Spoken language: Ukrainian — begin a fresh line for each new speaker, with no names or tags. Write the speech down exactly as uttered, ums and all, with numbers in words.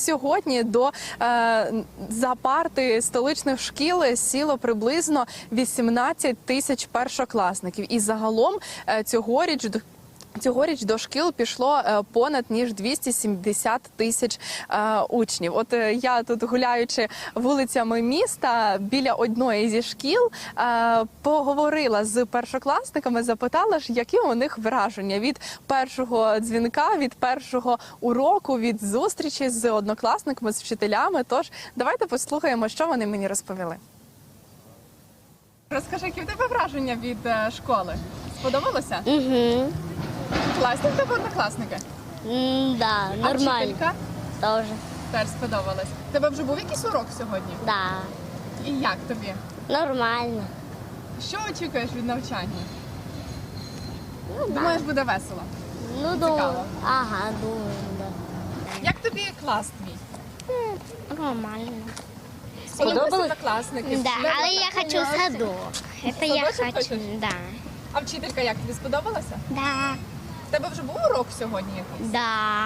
сьогодні до е, за парти столичних шкіл сіло приблизно вісімнадцять тисяч першокласників. І загалом е, цьогоріч до Цьогоріч до шкіл пішло е, понад ніж двісті сімдесят тисяч е, учнів. От е, я тут, гуляючи вулицями міста біля одної зі шкіл, е, поговорила з першокласниками, запитала ж, які у них враження від першого дзвінка, від першого уроку, від зустрічі з однокласниками, з вчителями. Тож давайте послухаємо, що вони мені розповіли. Розкажи, які в тебе враження від е, школи? Сподобалося?
Угу.
Класні в тебе однокласники?
Да,
А
нормально.
вчителька?
Тоже.
Теж сподобалось. Тебе вже був якийсь урок сьогодні?
Да.
І як тобі?
Нормально.
Що очікуєш від навчання?
Ну,
Думаєш, буде весело?
Ну,
Цікаво.
думаю. Ага, думаю, да.
Як тобі клас твій?
Нормально.
Сподобалися однокласники?
Да,
Вчителя?
але я хочу в садок. Это я
Садочок
хочу,
хочеш?
да.
А вчителька як тобі сподобалася?
Да.
В тебе вже був урок сьогодні якийсь?
Да.